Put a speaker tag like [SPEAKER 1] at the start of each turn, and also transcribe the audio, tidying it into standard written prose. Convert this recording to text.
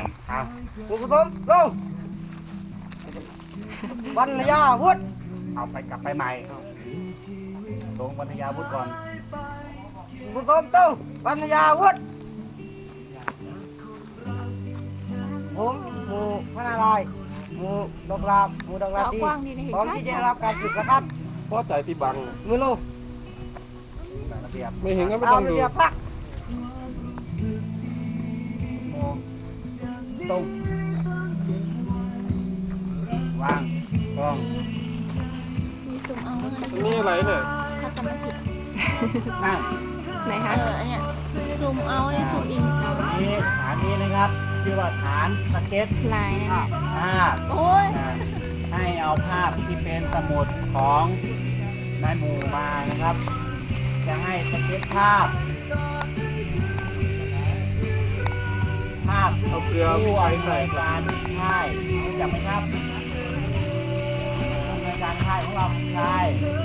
[SPEAKER 1] ผู้ผสมลงวรรณยาวุฒิเอาไปกลับไปใหม่ลงวรรณยาวุฒิก่อนผู้ผสมต้องวรรณยาวุฒิผมหมู่พระนารายณ์หมู่ดอกลาบหมู่ดอกลาบดีพร้อมที่จะรับการฝึกนะครับ
[SPEAKER 2] พอใจที่บัง
[SPEAKER 1] มือลง
[SPEAKER 2] ไม่เห็นก็ไม่ต้องดู
[SPEAKER 1] พักตรงวางกล้อง
[SPEAKER 3] มีสุ่มเอาอั
[SPEAKER 2] นนี้อะไรเนี่ย
[SPEAKER 3] ถ้าจำไม่ผิด
[SPEAKER 1] นั่ง
[SPEAKER 3] ไหนคะอันเนี้ยสุ่มเอาเนี่ยสุ่มอิน
[SPEAKER 1] นี่ฐานนี้นะครับชื่อว่าฐานสเก็ต
[SPEAKER 3] ลายนะ
[SPEAKER 1] ภาพ
[SPEAKER 3] โอ้ย
[SPEAKER 1] ให้เอาภาพที่เป็นสมุดของนายหมู่มานะครับจะให้สเก็ตภาพ
[SPEAKER 2] เอาเกลือ
[SPEAKER 1] ผู้อำนวยการค่ายรู้จักไหมครับผู้อำนวยการค่ายของเราใช่